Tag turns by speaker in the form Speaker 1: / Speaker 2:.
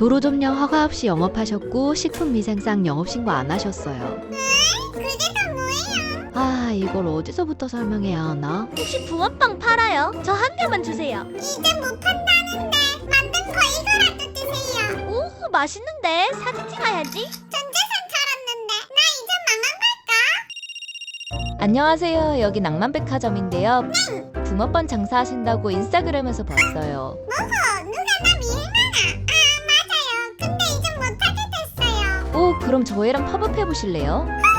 Speaker 1: 도로점령 허가 없이 영업하셨고 식품위생상 영업신고 안 하셨어요.
Speaker 2: 그게 다 뭐예요?
Speaker 1: 아, 이걸 어디서부터 설명해야 하나?
Speaker 3: 혹시 붕어빵 팔아요? 저 한 개만 주세요.
Speaker 2: 이제 못 판다는데 만든 거 이거라도 드세요.
Speaker 3: 오, 맛있는데 사진 찍어야지.
Speaker 2: 전재산 털었는데 나 이제 망한 걸까?
Speaker 1: 안녕하세요. 여기 낭만백화점인데요. 붕어빵 장사하신다고 인스타그램에서 봤어요.
Speaker 2: 누가 나 밀만아. 아 맞아요. 근데 이제 못하게 됐어요.
Speaker 1: 오, 그럼 저희랑 팝업 해보실래요?